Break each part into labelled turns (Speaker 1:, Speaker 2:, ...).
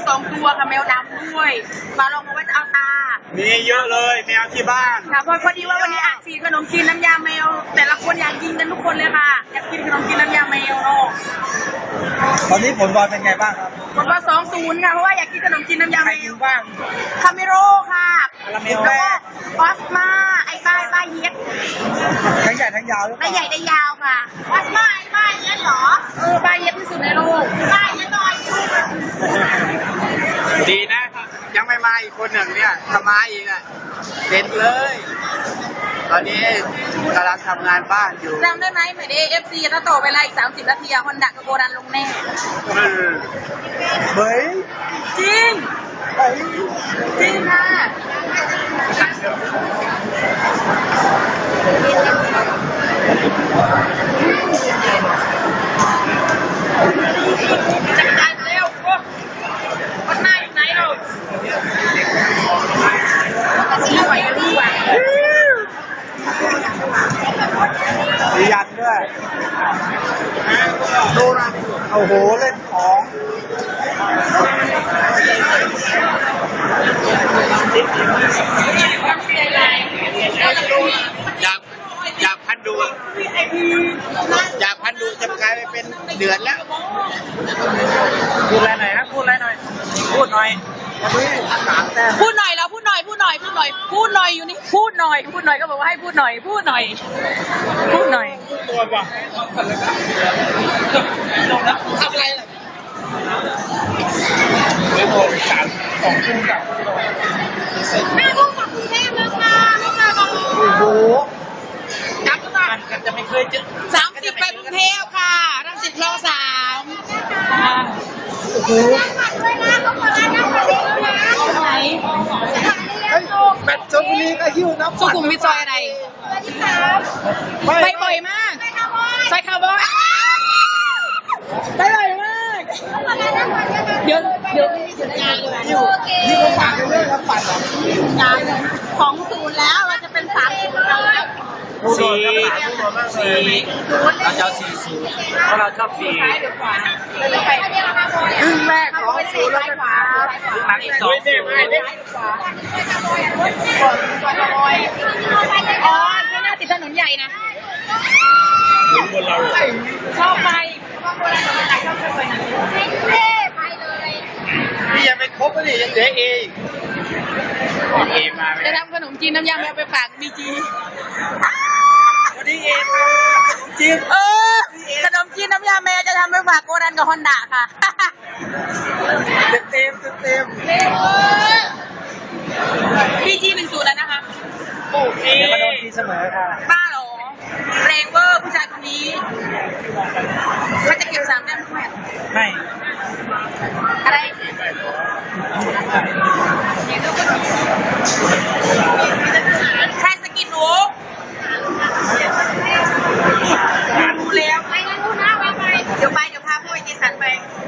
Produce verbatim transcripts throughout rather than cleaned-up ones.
Speaker 1: สองตัวค่ะแมวดำด้วยมาลองมาไว้จะเอาตา
Speaker 2: มีเยอะเลยแมวที่บ้าน
Speaker 1: ค่ะพอพอดีว่าวันนี้อ่ะสีขนมจีนน้ำยาแมวแต่ละคนอยากกินกันทุกคนเลยค่ะอยากกินขนมจีนน้ำยาแมวเนาะ
Speaker 2: ตอนนี้ผลบอลเป็นไงบ้างครับ
Speaker 1: ผลบอลสองศูนย์ค่ะเพราะว่าอยากกินขนมจีนน้ำยาแมว
Speaker 2: บ้าง
Speaker 1: คาเมโรค่ะแล้วก็ออสมาไอ้ป้ายป้ายเย็ด
Speaker 2: ทั้งใหญ่ทั้งยาว
Speaker 1: ได้ใหญ่ได้ยาวค่ะออสมาไอ้ป้ายเย็ดเหรอเออป้ายเย็ดที่สุดในโลกป้ายเย็ดหน่อย
Speaker 2: ดีนะยังไม่มาอีกคนหนึ่งเนี่ยถ้ามาอีกอ่ะเด็ดเลยตอนนี้กำลังทำงานบ้านอยู่
Speaker 1: จำได้ไหมเหมือนเอเอฟซีถ้าต่อเวลาอีกสามสิบนาทีอะฮอนดะกับโกดันลงแน่
Speaker 2: เฮ้ย
Speaker 1: จริงจริงค่ะจัดการเร็วพวกคนหน้าอยู่ไหนเราชี้ไหวรู้ไหว
Speaker 2: ดียันด้วยดูนะโอ้โหเล่นของอยากอยากพันดูอยากพันดูจะกลายไปเป็นเดือนแล้วพูดอะไรหน่อยครับพูดอะไรหน่อยพูดหน่อย
Speaker 1: พูดหน่อยแล้วพูดหน่อยพูดหน่อยพูดหน่อยพูดหน่อยอยู่นี่พูดหน่อยพูดหน่อยก็บอกว่าให้พูดหน่อยพูดหน่อยพูดหน่อย
Speaker 2: ตัวว่ะทำอะไรล่ะไม่โดนสามสองทุ่มกับ
Speaker 1: แม่ลูกกลับกรุงเทพแล้วค่ะลูกมาบอก
Speaker 2: โอ้โหกลับมากันจะไม่เคยเจอ
Speaker 1: สามสิบไปกรุงเทพค่ะรังสิตคลองสาม
Speaker 2: โอ้โห
Speaker 1: ไหน
Speaker 2: แบตชลบุรีก็หิ้วน้ำ
Speaker 1: สุขุมวิทซอยอะไรไปบ่อยมากซอยคาร์บอยไปบ่อยมากเดี๋ยวเดี๋ยว
Speaker 2: อยู่นี่เขาฝากเรื่องแล้วปั่น
Speaker 1: ของศูนย์แล้วเราจะเป็นสามสิบแล้ว
Speaker 2: สี่สี่เราจะเอาสี่ศูนย์เพราะเราชอบสี่ครึ่งแรกของศูนย์แล้วก็หลังสองศูนย์
Speaker 1: อ๋อข้างหน้าติดถนนใหญ่นะชอบไปไปเลย
Speaker 2: นี่ยังไม่ครบเลยยังเหลือเอเอมา
Speaker 1: จะทำขนมจีนน้ำยาแมวไปฝากบีจี
Speaker 2: วันนี้เอมาจีน
Speaker 1: เออขนมจีนน้ำยาแมวจะทำไปฝากโกดันกับฮอนด้าค่ะ
Speaker 2: เต็มเต็ม
Speaker 1: บีจีหนึ่งศูนย์แล้วนะคะ
Speaker 2: โอเคมาโดนทีเสมอค่ะ
Speaker 1: บ้าหรอแรงเวอร์ผู้ชายคนนี้เขาจะเก็บสามแต้มทุกแมตช์
Speaker 2: ไม่
Speaker 1: อะไรใครสกินหนูดูแล้วไปงั้นดูนะไปไปเดี๋ยวไปเดี๋ยวพาพวกไอ้เจสันไป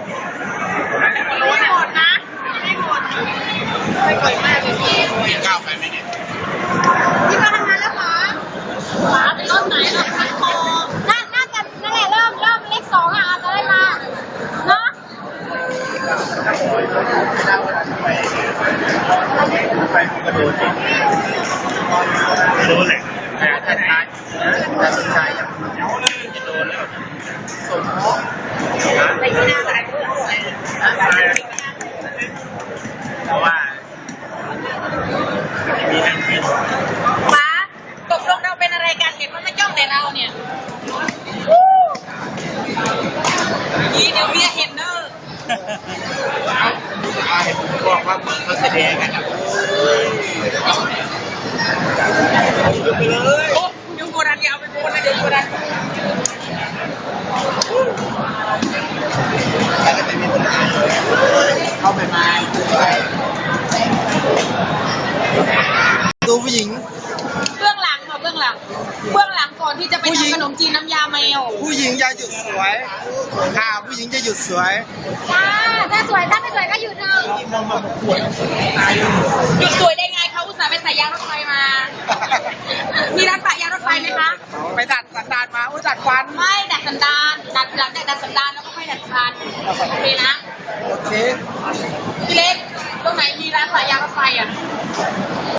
Speaker 1: ไม่หมดนะไม่หมดไม่ก่อยมากเลยพี่
Speaker 2: ก้าวไปไหมเนี่ย
Speaker 1: พี่มาทำงานแล้วเหรอหมาเป็นรถไหนรถคันคอน่าน่าจะนั่นแหละเริ่มเริ่มเลขสองอ่ะจะได้มาเนาะ
Speaker 2: ไปกระโดดโดนเลยแต่แต่ท้ายแต่สุดท้ายยังจะโดนแล้วสมมติ
Speaker 1: ในที่หน้าอะไร
Speaker 2: เพราะว่ามีนั่งกิน
Speaker 1: ป้าตกลงเราเป็นอะไรกันเห็นว่าไม่จ้องแต่เราเนี่ยยี่เดี๋ยวเมียเห็นเนอะ
Speaker 2: บอกว่าเขาแสดงกันนะไปเลย
Speaker 1: โอ้ยุงโกดันยาวไปโกดันเดี๋ยวโกดัน
Speaker 2: เข้าไปมาดูผู้หญิง
Speaker 1: เบื้องหลังค่ะเบื้องหลังเบื้องหลังก่อนที่จะไปทำขนมจีนน้ำยาแมว
Speaker 2: ผู้หญิงจะหยุดสวยค่ะผู้หญิงจะหยุดสวย
Speaker 1: จ้าถ้าสวยถ้าไม่สวยก็หยุดเถอะหยุดสวยได้ไงเขาอุตส่าห์ไปใส่ยางรถไฟมามีร้านปะยางรถไฟไหมคะ
Speaker 2: ไปดัดสันดานมาอุ้ยดัดฟัน
Speaker 1: ไม่ดัดสันดานดัดหลังจากดัดสันดานแล้วก็ค่อยดัดฟันโอเคนะ
Speaker 2: โอเค
Speaker 1: พี่เล็กตรงไหนมีร้านขายยางรถไฟอ่ะ